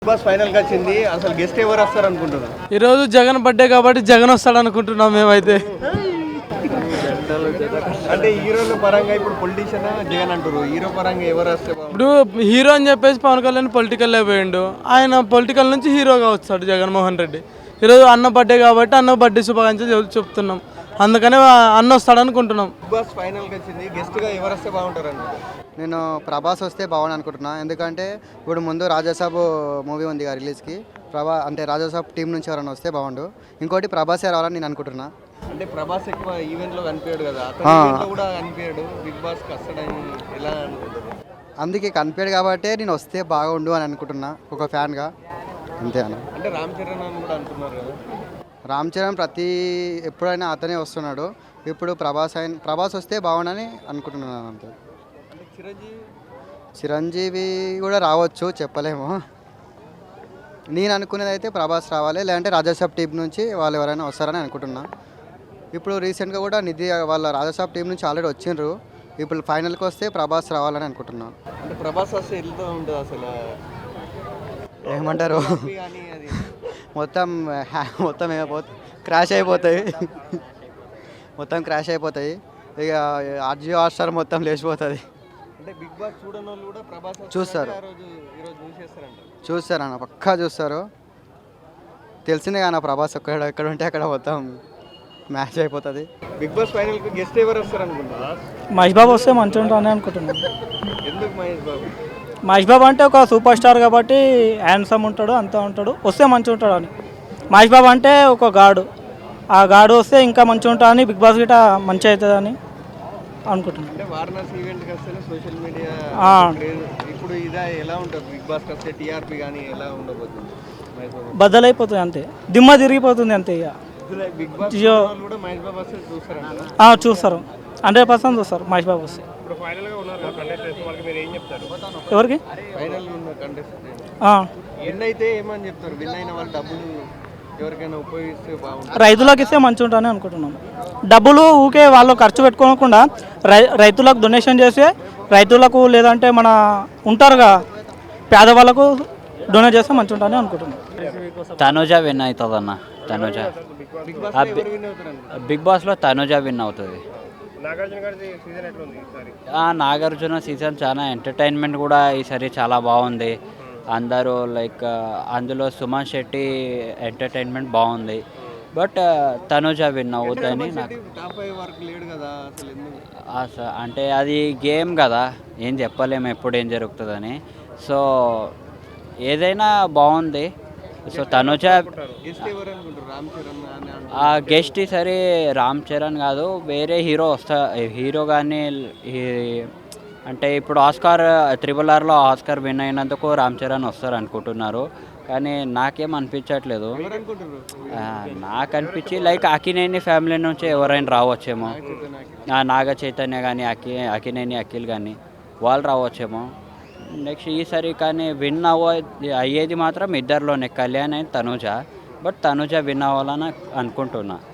Bus final గా వచ్చింది. అసలు గెస్ట్ ఎవరు వస్తారు అనుకుంటున్నారు? ఈరోజు జగన్ బర్త్డే కాబట్టి జగన్ వస్తాడు అనుకుంటున్నాం మేమైతే. అంటే హీరోల పరంగా ఇప్పుడు పొలిటీషియన్ జగన్ అంటారు, హీరో పరంగా ఎవరు వస్తే ఇప్పుడు హీరో అని చెప్పేసి పవన్ కళ్యాణ్ పొలిటికల్ అయిపోయిండు. ఆయన పొలిటికల్ నుంచి హీరోగా వస్తాడు జగన్మోహన్ రెడ్డి. ఈరోజు అన్న బర్త్డే కాబట్టి అన్న బర్త్డే శుభాకాంక్షలు చెప్తున్నాం. అందుకనే అన్న వస్తాడు అనుకుంటున్నాం. బిగ్ బాస్ ఫైనల్ గా వచ్చింది. గెస్ట్ గా ఎవరు వస్తే బాగుంటారు అనుకుంటున్నారు? నేను ప్రభాస్ వస్తే బాగుంది అనుకుంటున్నా. ఎందుకంటే ఇప్పుడు ముందు రాజాసాబ్ మూవీ ఉంది రిలీజ్కి. అంటే రాజాసాబ్ టీం నుంచి ఎవరైనా వస్తే బాగుండు. ఇంకోటి ప్రభాసే రావాలని నేను అనుకుంటున్నా. అంటే ప్రభాస్ ఎక్కువ ఈవెంట్ లో కనిపించాడు కదా, అతను కూడా కనిపించాడు. బిగ్ బాస్ కి వస్తాడని ఎలా అనుకుంటున్నారు? అందుకే కనిపించాడు కాబట్టి నేను వస్తే బాగుండు అని అనుకుంటున్నా ఒక ఫ్యాన్గా. అంతే అన్న. అంటే రామ్ చరణ్ అని కూడా అంటున్నారు కదా. రామ్ చరణ్ ఎప్పుడైనా అతనే వస్తున్నాడు. ఇప్పుడు ప్రభాస్ వస్తే బాగుండని అనుకుంటున్నాను అంతే. చిరంజీవి కూడా రావచ్చు, చెప్పలేము. నేను అనుకునేది అయితే ప్రభాస్ రావాలి, లేదంటే రాజాసాబ్ టీం నుంచి వాళ్ళు ఎవరైనా వస్తారని అనుకుంటున్నా. ఇప్పుడు రీసెంట్గా కూడా నిధి వాళ్ళ రాజాసాబ్ టీం నుంచి ఆల్రెడీ వచ్చిండ్రు. ఇప్పుడు ఫైనల్కి వస్తే ప్రభాస్ రావాలని అనుకుంటున్నాను. అంటే ప్రభాస్ వస్తే వెళ్తూ ఉంటుంది అసలు ఏమంటారు, మొత్తం క్రాష్ అయిపోతాయి. ఇక ఆర్జీ హాట్స్టార్ మొత్తం లేచిపోతుంది. అంటే బిగ్ బాస్ చూడని వాళ్ళు కూడా ప్రభాస్ చూస్తారు, చూసేస్తారంట. అన్న పక్కా చూస్తారు. తెలిసిందే కానీ ప్రభాస్ ఎక్కడ ఉంటే అక్కడ మొత్తం మ్యాచ్ అయిపోతుంది. బిగ్ బాస్ ఫైనల్ కి గెస్ట్ ఎవరు వస్తారు అనుకుంటున్నా? మహేష్ బాబు వస్తే మంచిగా ఉంటారని అనుకుంటున్నాను. ఎందుకు మహేష్ బాబు? మహేష్ బాబు అంటే ఒక సూపర్ స్టార్ కాబట్టి హ్యాండ్సమ్ ఉంటాడు, అంతా ఉంటాడు, వస్తే మంచిగా ఉంటాడు అని. మహేష్ బాబు అంటే ఒక గాడు, ఆ గాడు వస్తే ఇంకా మంచిగా ఉంటాడని, బిగ్ బాస్ గిట్ట మంచిగా అవుతుందని అనుకుంటున్నాను. అంటే వారణాసి ఈవెంట్కి వస్తే సోషల్ మీడియా ఇప్పుడు ఇదా ఎలా ఉంటుంది? బిగ్ బాస్ వస్తే టీఆర్పీ కానీ ఎలా ఉండబోతుంది? బద్దలైపోతుంది అంతే, దిమ్మ తిరిగిపోతుంది అంతే. ఇక బిగ్ బాస్ కూడా మహేష్ బాబు వస్తే చూస్తారు, 100% చూస్తారు మహేష్ బాబు వస్తే. ఎవరికి ఫైనల్ ఉన్న కంటెస్టెంట్ విన్ అయితే ఏమని చెప్తారు? విన్ అయిన వాళ్ళు డబ్బులు ఎవరికైనా ఉపయోగిస్తే బాగుంటుంది, రైతులకు ఇస్తే మంచిగా ఉంటుందని అనుకుంటున్నాం. డబ్బులు ఊకే వాళ్ళు ఖర్చు పెట్టుకోకుండా రైతులకు డొనేషన్ చేసి, రైతులకు లేదంటే మన ఉంటారుగా పేదవాళ్ళకు డొనేట్ చేస్తే మంచిగా ఉంటుందని అనుకుంటున్నాం. తనుజ విన్ అవుతుంది అన్న. తనుజ బిగ్ బాస్లో తనుజ విన్ అవుతుంది. నాగార్జున సీజన్ చాలా ఎంటర్టైన్మెంట్ కూడా ఈసారి చాలా బాగుంది. అందరూ లైక్ అందులో సుమన్ శెట్టి ఎంటర్టైన్మెంట్ బాగుంది. బట్ తనుజ విన్ అవుతుందని నాకు. అంటే అది గేమ్ కదా, ఏం చెప్పలేము ఎప్పుడు ఏం జరుగుతుందని. సో ఏదైనా బాగుంది. సో తనుజ గెస్ట్ ఈసారి రామ్ చరణ్ కాదు, వేరే హీరో కానీ. అంటే ఇప్పుడు ఆస్కార్ RRRలో ఆస్కార్ విన్ అయినందుకు రామ్ చరణ్ వస్తారు అనుకుంటున్నారు, కానీ నాకేం అనిపించట్లేదు. నాకు అనిపించి లైక్ అక్కినేని ఫ్యామిలీ నుంచి ఎవరైనా రావచ్చేమో. నాగ చైతన్య కానీ అక్కినేని అఖిల్ కానీ వాళ్ళు రావచ్చేమో నెక్స్ట్ ఈసారి. కానీ విన్ అయ్యేది మాత్రం ఇద్దరిలోనే, Kalyan and Tanuja. But Tanuja win అవ్వాలని అనుకుంటున్నా.